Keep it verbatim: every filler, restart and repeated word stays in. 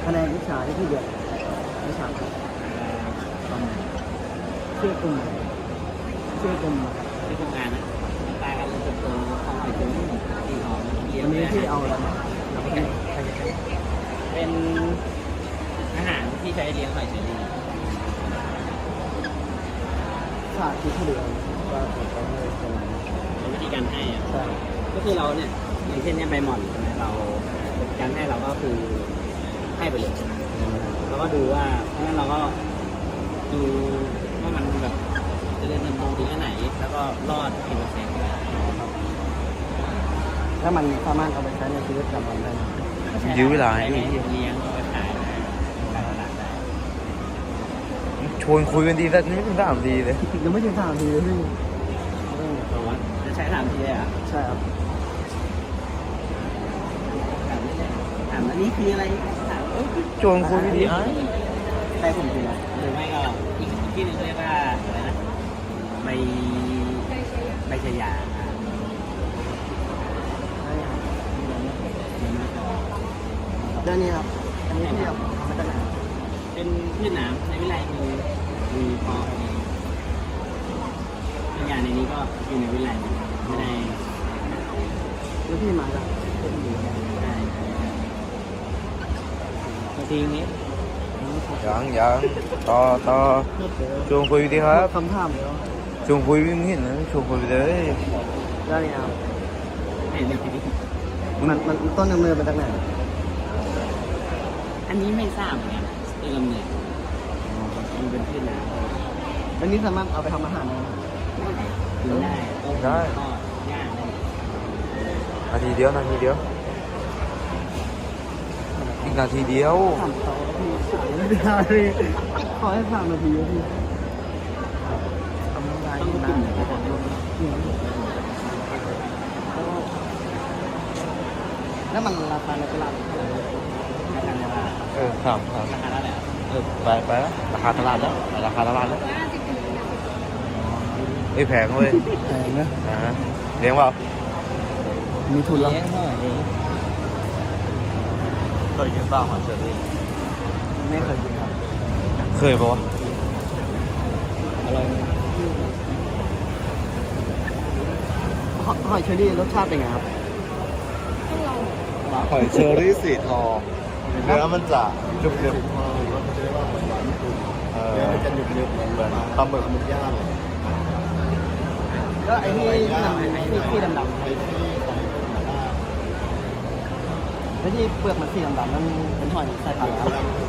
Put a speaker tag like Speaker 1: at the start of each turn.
Speaker 1: คะแนนวิชาที่พี่เดือดวิชาชื่อกลุ่มชื่อกลุ่ม
Speaker 2: ที่ทำงานนะตายกันเลยจนโตเขาหอยจุ้งที่หอมเลี้ย
Speaker 1: วั
Speaker 2: ง
Speaker 1: นนี้ที่เอาอะไรมาเราก็เป็นใครจะ
Speaker 2: เป็นอาหารที่ใช้เลี้ยงหอยเชอรี่
Speaker 1: ศาสตร์ที่เหลือว่าผมก็ไม่เป็น
Speaker 2: เป็นวิธีการให้อะ
Speaker 1: ใช่
Speaker 2: ก็คือเราเนี่ยอย่างเช่นเนี่ยใบหม่อนใช่ไหมเราการให้เราก็คือให้ไปเลยแล้วก็ดูว่าเพราะฉะนั้นเราก็ดูว่ามันแบบเจะเรียนเติบโตถึงแค่ไหน แล้วก็รอดกี่เปอร์เซ็นต์
Speaker 1: แล้วมันสามารถเอาไปใช้ในชีวิตประจำวันได้ไหม
Speaker 3: ยื้อเวลา
Speaker 2: ใช้
Speaker 3: ให้
Speaker 2: ไป
Speaker 3: พี่
Speaker 2: เลี้ยงเอาไปขายนะขายตลาดได้
Speaker 3: ชวนคุยกันดีแต่นี่ไม่ถึงสามดีเลย
Speaker 1: ยังไม่ถึงสามทีเลยพี่เออ
Speaker 2: เพราะว่าจะใช้ถามทีเลยอ่ะ
Speaker 1: ใช่ครับ
Speaker 2: ถามไม่ได้ถามอันนี้คืออะไรถามเอ้ย
Speaker 3: ชวนคุยดีไอ้
Speaker 1: ใช่ผมจริงนะ
Speaker 2: หรือไม่ก็อีกที่หนึงเรียกว่าอะไรนะใบใบชายา
Speaker 1: เรื่องนี้ครับอันนี้ที่เอามาจากไหน
Speaker 2: เป็นพืชน้ำในวิไลมีมีเพาะมีบางอย่างในนี้ก็อยู่ในวิไลไม่ได้
Speaker 1: แล้วพี่มาจากเป็นหมู
Speaker 2: ได้บางทีนี้
Speaker 3: ยังยังต่อต่อชวนคุยดีครับ
Speaker 1: คำถามเดียว
Speaker 3: ชวนคุยไม่เห็นนะชวนคุยไปเลย
Speaker 1: เรื่องนี้ครับ
Speaker 2: เห็นไหม
Speaker 1: มันมันต้นกำเนิดมาจากไหน
Speaker 2: อันนี้ไม่ทราบเหมือนกันต้นกำเนิดมันเป็นพืชน้ำ
Speaker 1: อันนี้สามารถเอาไปทำอาหารได้ไหม
Speaker 2: กินได้ต้มทอดย่างได้
Speaker 3: นาทีเดียวนาทีเดียวอีกนาทีเดียว
Speaker 1: ถามเขาพี่สามนาทีพี่ขอให้สามนาทีพี่ทำงาน
Speaker 2: ต้อง
Speaker 1: นาน
Speaker 2: กินนะครับ
Speaker 1: แล้วมันราคาในตลาดเท่าไหร่
Speaker 2: ราคาในตลาด
Speaker 3: เออถามถาม
Speaker 2: ราคาเท่าไหร่
Speaker 3: เออไปไปแล้วราคาตลาดแล้วไปราคาตลาดแล้วเอ้ยแพงเว้ย
Speaker 1: แพงนะ
Speaker 3: อ่าฮะเลี้ยงเปล่า
Speaker 1: มีทุนแล้ว
Speaker 2: เลี้ยงหน่อยเอง
Speaker 3: เคยกินเปล่าหอยเชอรี่
Speaker 1: ไม่เคยกินครับ
Speaker 3: เคยปะวะ
Speaker 2: อร่อย
Speaker 1: หหอยเชอรี่รสชาติเป็นไงครับ
Speaker 3: หอยเชอรี่สีทองเนื้อมันจะจุกเดือบเออ
Speaker 1: จะหนึบหนึบเหมือน
Speaker 3: เหมือนปลาหมึก
Speaker 1: หมึกย่างแล้วไอ้นี่ที่ดำที่ที่ดำดำแล้วที่เปลือกมันสีดำดำนั่นเป็นหอยสายพันธุ์อะไรครับ